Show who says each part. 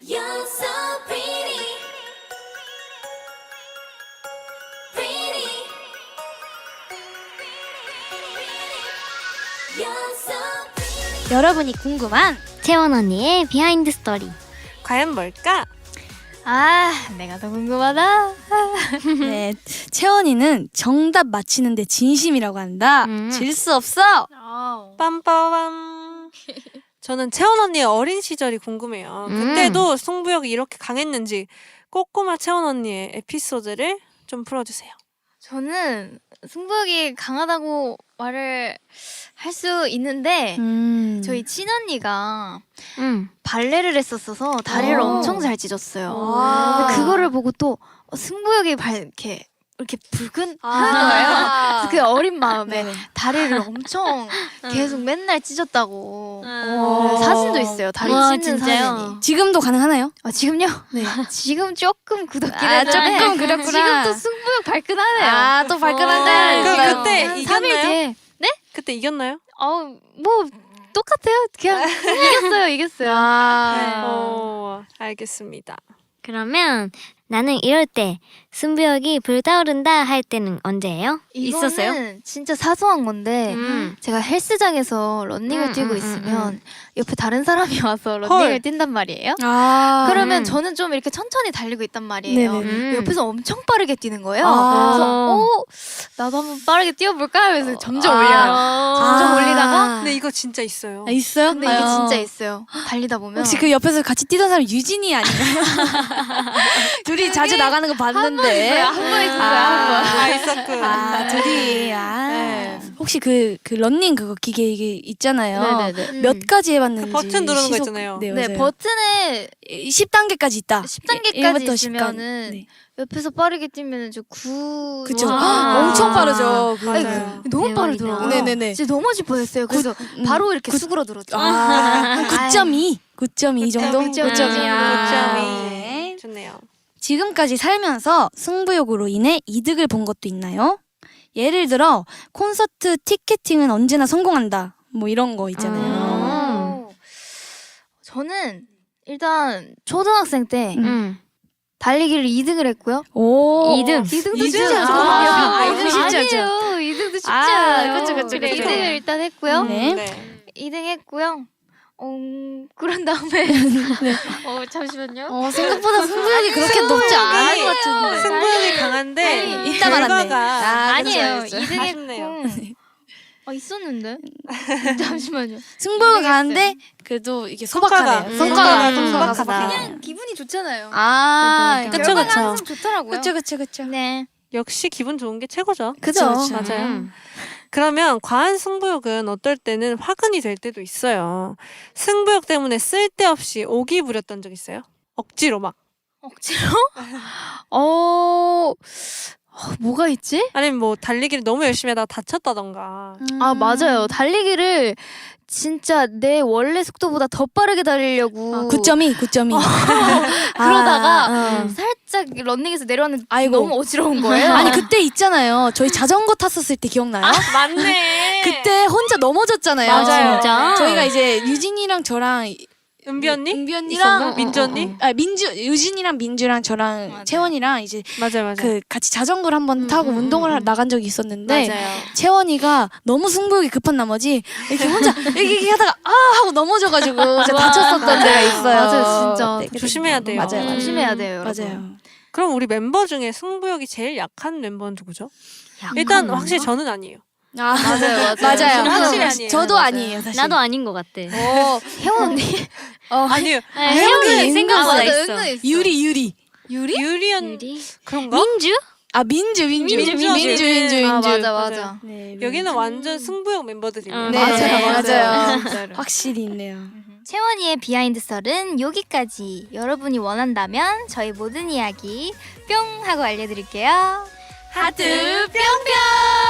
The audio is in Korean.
Speaker 1: You're so pretty, pretty. You're so pretty.
Speaker 2: 여러분이 궁금한
Speaker 3: 채원 언니의 비하인드 스토리.
Speaker 4: 과연 뭘까?
Speaker 2: 아 내가 더 궁금하다. 네, 채원이는 정답 맞히는데 진심이라고 한다. 질 수 없어.
Speaker 4: 빰빠밤. 저는 채원 언니의 어린 시절이 궁금해요. 그때도 승부욕이 이렇게 강했는지 꼬꼬마 채원 언니의 에피소드를 좀 풀어주세요.
Speaker 5: 저는 승부욕이 강하다고 말을 할 수 있는데 저희 친언니가 발레를 했었어서 다리를 엄청 잘 찢었어요. 근데 그거를 보고 또 승부욕이 이렇게 불끈 하는 거예요. 그래서 그 어린 마음에 다리를 엄청 계속 맨날 찢었다고 사진도 있어요. 다리 찢는 사진이.
Speaker 2: 지금도 가능하나요?
Speaker 5: 아, 지금요? 네. 지금 조금 굳었긴
Speaker 2: 아,
Speaker 5: 했는데
Speaker 2: 조금 그랬구나.
Speaker 5: 지금도 승부욕 발끈하네요.
Speaker 2: 아, 또 발끈한데.
Speaker 4: 그럼 그때
Speaker 5: 한 3일
Speaker 4: 이겼나요?
Speaker 5: 뒤에
Speaker 4: 그때 이겼나요?
Speaker 5: 뭐 똑같아요. 그냥 이겼어요.
Speaker 4: 알겠습니다.
Speaker 3: 그러면 나는 이럴 때 승부욕이 불타오른다 할 때는 언제예요? 있었어요?
Speaker 5: 이거는 진짜 사소한 건데 제가 헬스장에서 러닝을 뛰고 있으면 옆에 다른 사람이 와서 러닝을 뛴단 말이에요. 그러면 저는 좀 이렇게 천천히 달리고 있단 말이에요. 옆에서 엄청 빠르게 뛰는 거예요. 그래서 나도 한번 빠르게 뛰어볼까 하면서 점점 올려요. 점점 올리다가
Speaker 4: 근데 이거 진짜 있어요.
Speaker 2: 있어요?
Speaker 5: 근데 이게 진짜 있어요. 달리다 보면
Speaker 2: 혹시 그 옆에서 같이 뛰던 사람 유진이 아닌가요? 둘이 자주 나가는 거 봤는데.
Speaker 5: 한 번 있었어요. 한 번.
Speaker 4: 있었구나.
Speaker 2: 둘이.
Speaker 4: 네.
Speaker 2: 혹시 그 러닝 그거 기계 이게 있잖아요.
Speaker 5: 네네네.
Speaker 2: 몇 가지 해봤는지.
Speaker 4: 그 버튼 누르는 거 있잖아요.
Speaker 2: 네,
Speaker 5: 네,
Speaker 2: 맞아요.
Speaker 5: 버튼에
Speaker 2: 10단계까지 있다.
Speaker 5: 10단계까지
Speaker 2: 1부터 10까지.
Speaker 5: 있으면은
Speaker 2: 네.
Speaker 5: 옆에서 빠르게 뛰면은 저 9.
Speaker 2: 그쵸.
Speaker 5: 와.
Speaker 2: 엄청 빠르죠. 그거.
Speaker 4: 맞아요.
Speaker 5: 너무
Speaker 3: 대박이다.
Speaker 5: 빠르더라고요.
Speaker 2: 네네네.
Speaker 5: 진짜 넘어질 뻔했어요. 그래서 바로 이렇게 수그러들었죠.
Speaker 2: 9.2. 9.2 정도?
Speaker 5: 9.2.
Speaker 4: 9.2. 좋네요.
Speaker 2: 지금까지 살면서 승부욕으로 인해 이득을 본 것도 있나요? 예를 들어 콘서트 티켓팅은 언제나 성공한다. 뭐 이런 거 있잖아요.
Speaker 5: 저는 일단 초등학생 때
Speaker 3: 음.
Speaker 5: 달리기를 2등을 했고요.
Speaker 2: 오.
Speaker 3: 2등.
Speaker 5: 2등도
Speaker 2: 이등?
Speaker 5: 쉽지 않죠.
Speaker 2: 아, 2등 쉽지 않죠.
Speaker 5: 아니에요. 2등도 쉽지
Speaker 2: 아,
Speaker 5: 않아요.
Speaker 2: 그쵸, 그쵸,
Speaker 5: 그래,
Speaker 2: 그쵸.
Speaker 5: 2등을 일단 했고요.
Speaker 2: 네.
Speaker 5: 2등 했고요. 그런 다음에 잠시만요.
Speaker 2: 생각보다 승부욕이 그렇게 높지 않은 것 같은데.
Speaker 4: 승부욕이 강한데
Speaker 2: 이따 말았네.
Speaker 4: 결과가
Speaker 5: 아니에요.
Speaker 2: 그쵸,
Speaker 5: 2등
Speaker 4: 아쉽네요.
Speaker 5: 했고. 있었는데. 잠시만요.
Speaker 2: 승부욕이 가는데 그래도 이게 소박하네요.
Speaker 4: 성과가
Speaker 2: 소박하다.
Speaker 5: 그냥 기분이 좋잖아요.
Speaker 4: 그쵸,
Speaker 5: 결과가
Speaker 4: 그쵸.
Speaker 5: 항상 좋더라고요.
Speaker 2: 그쵸.
Speaker 5: 네.
Speaker 4: 역시 기분 좋은 게 최고죠.
Speaker 2: 그죠.
Speaker 4: 맞아요. 그러면 과한 승부욕은 어떨 때는 화근이 될 때도 있어요. 승부욕 때문에 쓸데없이 오기 부렸던 적 있어요? 억지로 막.
Speaker 5: 억지로? 뭐가 있지?
Speaker 4: 아니면 뭐 달리기를 너무 열심히 하다가 다쳤다던가.
Speaker 5: 아, 맞아요. 달리기를 진짜 내 원래 속도보다 더 빠르게 달리려고
Speaker 2: 9.2.
Speaker 5: 그러다가 살짝 러닝에서 내려왔는데
Speaker 2: 아이고.
Speaker 5: 너무 어지러운 거예요.
Speaker 2: 아니 그때 있잖아요. 저희 자전거 탔었을 때 기억나요?
Speaker 4: 맞네.
Speaker 2: 그때 혼자 넘어졌잖아요.
Speaker 4: 맞아요.
Speaker 3: 진짜?
Speaker 2: 저희가 이제 유진이랑 저랑
Speaker 4: 은비 언니?
Speaker 2: 은비 언니랑
Speaker 4: 민주 언니?
Speaker 2: 유진이랑 민주랑 저랑
Speaker 5: 맞아요.
Speaker 2: 채원이랑 이제
Speaker 4: 맞아요.
Speaker 2: 그 같이 자전거를 한번 타고 운동을 나간 적이 있었는데
Speaker 4: 맞아요.
Speaker 2: 채원이가 너무 승부욕이 급한 나머지 이렇게 혼자 이렇게 하다가 하고 넘어져가지고 진짜 다쳤었던 데가 있어요.
Speaker 5: 맞아요, 진짜.
Speaker 2: 네,
Speaker 4: 조심해야 돼요.
Speaker 2: 맞아요.
Speaker 5: 조심해야 돼요, 여러분.
Speaker 2: 맞아요.
Speaker 4: 그럼 우리 멤버 중에 승부욕이 제일 약한 멤버는 누구죠? 일단 확실히 저는 아니에요.
Speaker 2: 맞아요.
Speaker 4: 저는 확실히 아니에요.
Speaker 2: 저도
Speaker 5: 맞아요.
Speaker 2: 아니에요, 사실.
Speaker 3: 나도 아닌 것 같아.
Speaker 5: 혜원 언니.
Speaker 4: 아니에요.
Speaker 3: 혜원이 생각보다
Speaker 5: 맞아,
Speaker 3: 있어.
Speaker 5: 은근 있어.
Speaker 2: 유리.
Speaker 4: 유리 언니
Speaker 3: 유리?
Speaker 4: 그런가?
Speaker 3: 민주?
Speaker 2: 민주.
Speaker 5: 아, 맞아.
Speaker 2: 네,
Speaker 4: 여기는 완전 승부욕 멤버들이네요.
Speaker 2: 네, 맞아요.
Speaker 5: 진짜로.
Speaker 2: 확실히 있네요.
Speaker 5: 채원이의 비하인드 썰은 여기까지. 여러분이 원한다면 저희 모든 이야기 뿅 하고 알려드릴게요. 하트 뿅뿅.